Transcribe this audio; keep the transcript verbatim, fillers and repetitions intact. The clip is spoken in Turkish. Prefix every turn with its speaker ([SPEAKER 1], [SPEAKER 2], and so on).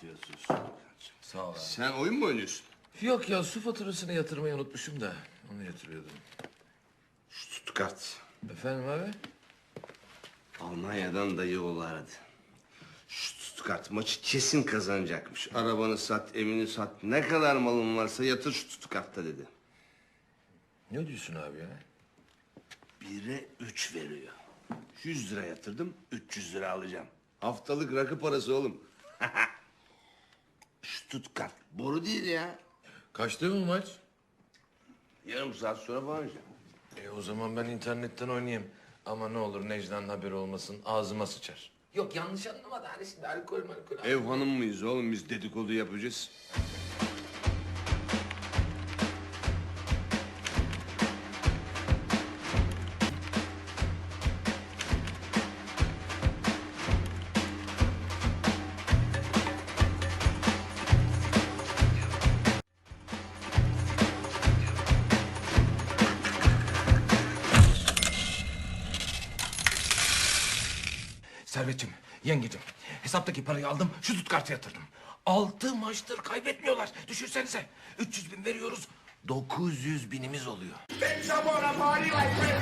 [SPEAKER 1] Afiyet olsun.
[SPEAKER 2] Sağ ol abi.
[SPEAKER 1] Sen oyun mu oynuyorsun?
[SPEAKER 2] Yok ya, su faturasını yatırmayı unutmuşum da onu yatırıyordum.
[SPEAKER 1] Stuttgart.
[SPEAKER 2] Efendim abi?
[SPEAKER 1] Almanya'dan dayı oğlu aradı. Stuttgart maçı kesin kazanacakmış. Arabanı sat, evini sat. Ne kadar malın varsa yatır Stuttgart'ta dedi.
[SPEAKER 2] Ne diyorsun abi ya?
[SPEAKER 1] Bire üç veriyor. Yüz lira yatırdım, üç yüz lira alacağım. Haftalık rakı parası oğlum. Stuttgart boru değil ya.
[SPEAKER 2] Kaçtı mı maç?
[SPEAKER 1] Yarım saat sonra falan oynayacağım.
[SPEAKER 2] E o zaman ben internetten oynayayım. Ama ne olur Necla'nın haberi olmasın, ağzıma sıçar. Yok yanlış anlama da hani şimdi alkol malkol...
[SPEAKER 1] Ev hanım mıyız oğlum, biz dedikodu yapacağız.
[SPEAKER 2] Servetciğim, yengecim, hesaptaki parayı aldım, şu Stuttgart'a yatırdım. Altı maçtır kaybetmiyorlar. Düşünsenize, üç yüz bin veriyoruz, dokuz yüz binimiz oluyor.
[SPEAKER 3] Bitch, I want a party like